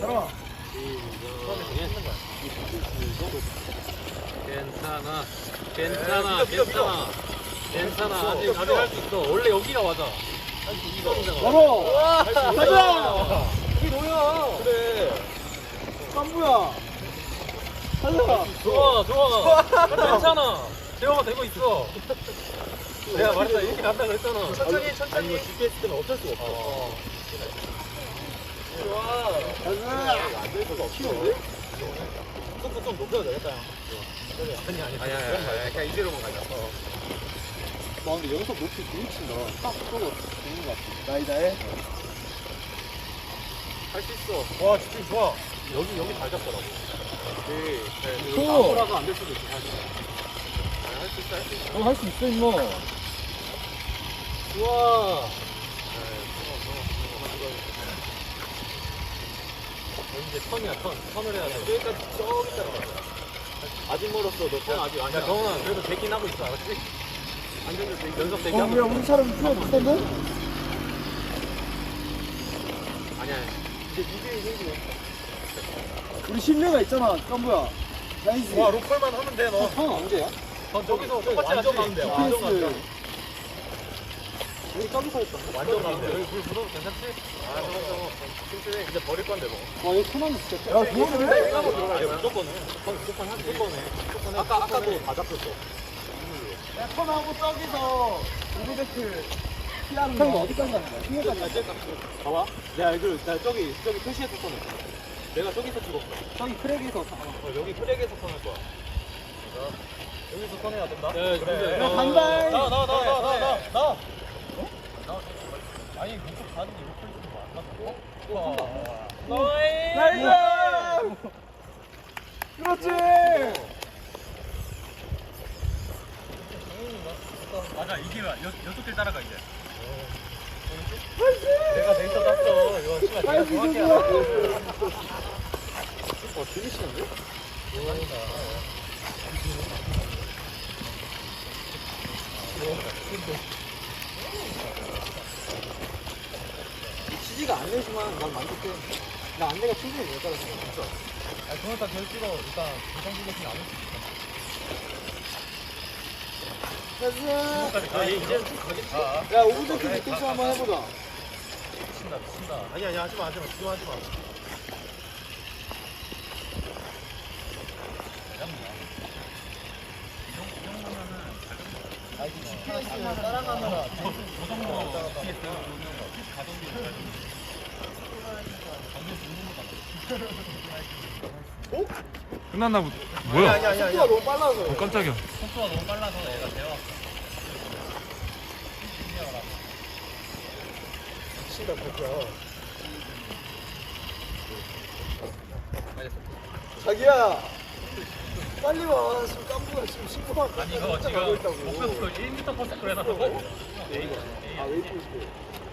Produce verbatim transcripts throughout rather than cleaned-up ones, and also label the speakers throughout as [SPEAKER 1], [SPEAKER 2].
[SPEAKER 1] 들어와.
[SPEAKER 2] 괜찮아. 괜찮아. 괜찮아. 괜찮아. 아직 아직 할 수 있어. 원래 여기가 맞아.
[SPEAKER 1] 걸어.
[SPEAKER 2] 가자.
[SPEAKER 1] 가자.
[SPEAKER 2] 여기 너야. 그래.
[SPEAKER 1] 깜부야. 가자.
[SPEAKER 2] 좋아, 좋아. 괜찮아. 제어가 되고 있어. 내가 말했다. 이렇게 간다 그랬잖아.
[SPEAKER 1] 천천히, 천천히.
[SPEAKER 2] 아니, 이거 지피에스 때문에 어쩔 수가 없어. 어. 좋아.
[SPEAKER 1] 가자.
[SPEAKER 2] 안될 수가 없어. 속도 좀 높여도 되겠다. 아니, 아니, 아니, 아니, 그냥 이대로만 가자. 어.
[SPEAKER 1] 와, 근데 여기서 높이 되게 친다. 딱 쏘고 되는 것 같아. 나이다 해.
[SPEAKER 2] 할 수 있어. 와, 집중 좋아. 여기, 여기 잘 잡더라고. 네. 네.
[SPEAKER 1] 또.
[SPEAKER 2] 아무라도 안 될 수도 있어, 사실. 할 수 있어, 할 수 있어.
[SPEAKER 1] 어, 할 수 있어, 임마.
[SPEAKER 2] 좋아. 이제 턴이야, 턴. 턴을 해야 돼. 여기까지 저기 따라가. 아직 멀었어, 너 턴 아직 아니야. 야, 경훈아, 그래도 대긴 하고 있어, 알았지? 안전대 대기, 연속
[SPEAKER 1] 어,
[SPEAKER 2] 대기하고
[SPEAKER 1] 야,
[SPEAKER 2] 있어.
[SPEAKER 1] 우리 사람 필요 없던데?
[SPEAKER 2] 아니야, 이제 이게 생기네.
[SPEAKER 1] 우리 신뢰가 있잖아, 깜부야. 나이스.
[SPEAKER 2] 와, 로컬만 하면 돼, 너.
[SPEAKER 1] 어, 형 언제야?
[SPEAKER 2] 전 저기서 똑같이 완전 가면 돼. 완전 가면 돼.
[SPEAKER 1] 여기 깜부 살았다.
[SPEAKER 2] 완전 가면 돼. 여기 불 붙어도 괜찮지? 아, 저거, 저거. 튼튼해. 이제 버릴 건데, 뭐.
[SPEAKER 1] 와, 여기 코너는 진짜. 야, 그거는
[SPEAKER 2] 이거 하고 들어가야 돼. 무조건 해. 턴 무조건 하지. 무조건 해. 무조건 해. 아까, 아까도 다 잡혔어.
[SPEAKER 1] 야, 턴하고 저기서 우리베트 피하는 거. 형 어디까지 가는 거야? 핑계까지 가야
[SPEAKER 2] 봐봐. 내가 이걸, 나 저기, 저기 표시해서 턴해. 내가 저기서 찍었어.
[SPEAKER 1] 저기 크랙에서 다.
[SPEAKER 2] 어, 여기 트랙에서 턴할 거야. 여기서 턴해야 된다? 네, 그래.
[SPEAKER 1] 야, 간다.
[SPEAKER 2] 나, 나, 나, 나, 나, 나, 나. 어? 나. 아니, 이쪽 가는 게 이렇게 있으면 안 맞고. 어, 너이!
[SPEAKER 1] 나이스! 그렇지!
[SPEAKER 2] 맞아, 이 기회야. 여섯 길 따라가, 이제. 내가 데이터 땄어. 이거 시간 내가 정확히 알아. 어, 되게 시간데? 대박이다.
[SPEAKER 1] 지지가 안 내지만 난 만족해. 나 안내가 충분히 될 거라서. 진짜.
[SPEAKER 2] 아, 그건 다 결제로 일단 부정부정이 안올 수 있어.
[SPEAKER 1] 가자.
[SPEAKER 2] 아, 이제 쭉 가겠지? 아,
[SPEAKER 1] 야, 오브젝트 리액션 한번 해보자.
[SPEAKER 2] 미친다, 미친다. 아니, 아니, 하지 마, 하지 마. 지금 하지 마.
[SPEAKER 1] 아, 이게 지피에스 따라가느라.
[SPEAKER 2] 저 정도 지피에스 가동비
[SPEAKER 1] 어?
[SPEAKER 3] 끝났나 보다. 뭐야?
[SPEAKER 2] 아니, 아니, 아니.
[SPEAKER 1] 속도가 너무 빨라서.
[SPEAKER 3] 어, 깜짝이야.
[SPEAKER 2] 속도가 너무 빨라서 얘가 대화.
[SPEAKER 1] 미친다, 진짜. 자기야! 빨리 와. 지금 깜부가 지금 신고만
[SPEAKER 2] 아니, 이거 지금 목표표 일 미터 퍼 세컨드 해놨다고? 네, 이거.
[SPEAKER 1] 아, 웨이트 있고.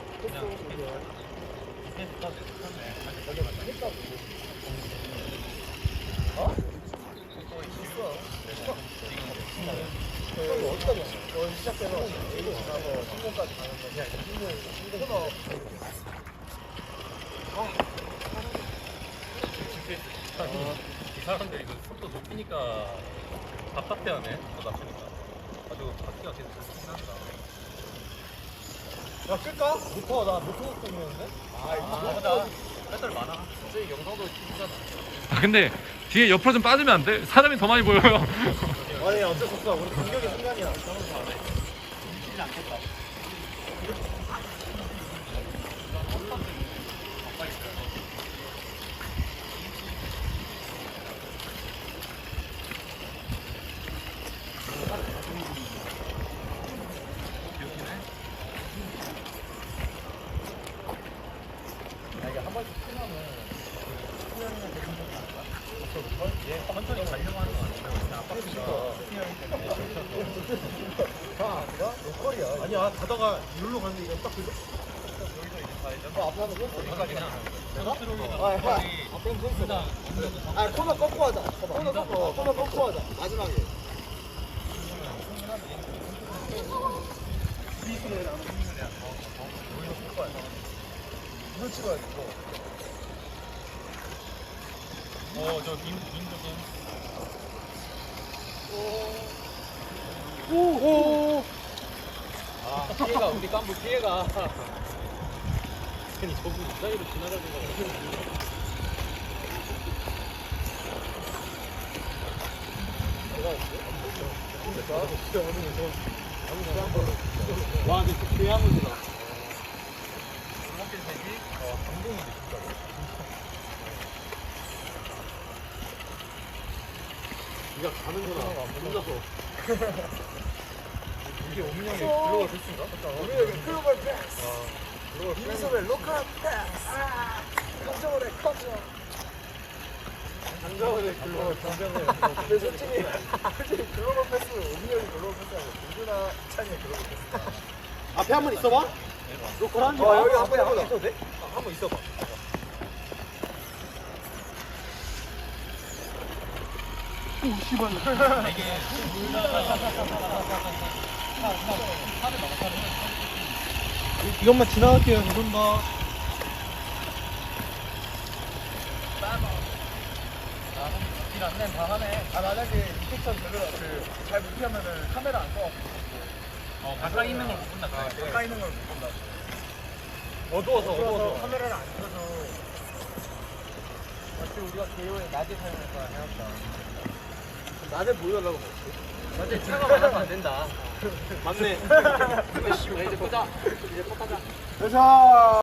[SPEAKER 1] 어? 이거 어디까지 왔어? 어, 시작해서 A로 지나서 신공까지 가는 거냐? 신공, 신공 코너.
[SPEAKER 2] 이 사람들 이거 속도 높이니까 답답해하네. 더 낮추니까. 아주 바퀴가 계속 좋긴 한다.
[SPEAKER 1] 야, 끌까? 못하, 나 못하고 있는데?
[SPEAKER 2] 아, 이거 맞아. 배터리 많아. 저희 영상도 찍잖아.
[SPEAKER 3] 아, 근데 뒤에 옆으로 좀 빠지면 안 돼? 사람이 더 많이 보여요.
[SPEAKER 1] 아니, 어쩔 수 없어. 우리 공격의 순간이야.
[SPEAKER 2] 미치지 않겠다. 천천히 가려고 하는 거 아니야? 그냥 아빠가
[SPEAKER 1] 아, 아니야? 로컬이야. 아니야, 가다가 여기로 가는데 이거 딱 그죠?
[SPEAKER 2] 여기서 이제 다
[SPEAKER 1] 어, 앞에 하나 서
[SPEAKER 2] 여기까지 그냥
[SPEAKER 1] 내가?
[SPEAKER 2] 트롤이가
[SPEAKER 1] 아, 야. 앞에 서 있어. 아, 코너 꺾고 하자. 코너 꺾고, 코너 꺾고 하자. 마지막에. 이걸 찍어야지, 이거.
[SPEAKER 2] 어저 김김
[SPEAKER 1] 오오오
[SPEAKER 2] 아 피해가 우리 깐부 피해가. 아니 저분 이 사이로 지나가는 거. 와, 근데 교양문이다. 네가 가는구나. 혼자서. 이게 오민영이 글로벌 패스인가?
[SPEAKER 1] 우리 글로벌 패스 이민섭의 로컬 패스 강정원의 커져
[SPEAKER 2] 장정원의 글로벌 장정원의
[SPEAKER 1] 근데 솔직히 솔직히 글로벌 패스 오민영이 글로벌 패스하고 김준하 찬이의 글로벌 패스
[SPEAKER 2] 앞에 한 번 있어봐. 로컬 한
[SPEAKER 1] 어 여기 한번 한번 있어도 돼?
[SPEAKER 2] 한 번 있어봐.
[SPEAKER 1] 이것만 지나갈게요 죄송합니다 길안낸 방하네 아 만약에 이택천 별로 그잘 무시하면은 카메라 안 꺼.
[SPEAKER 2] 어, 가까이 있는 걸 못 본다.
[SPEAKER 1] 가까이 있는 걸 못 본다.
[SPEAKER 2] 어두워서 어두워서.
[SPEAKER 1] 카메라를 안 켜서. 어차피 우리가 개요에 낮에 사용할 거야 해왔다. 낮에 보여달라고 먹지.
[SPEAKER 2] 낮에 차가 많아서 안 된다. 맞네. 이제 보자. 이제 컷하자.
[SPEAKER 1] 가자.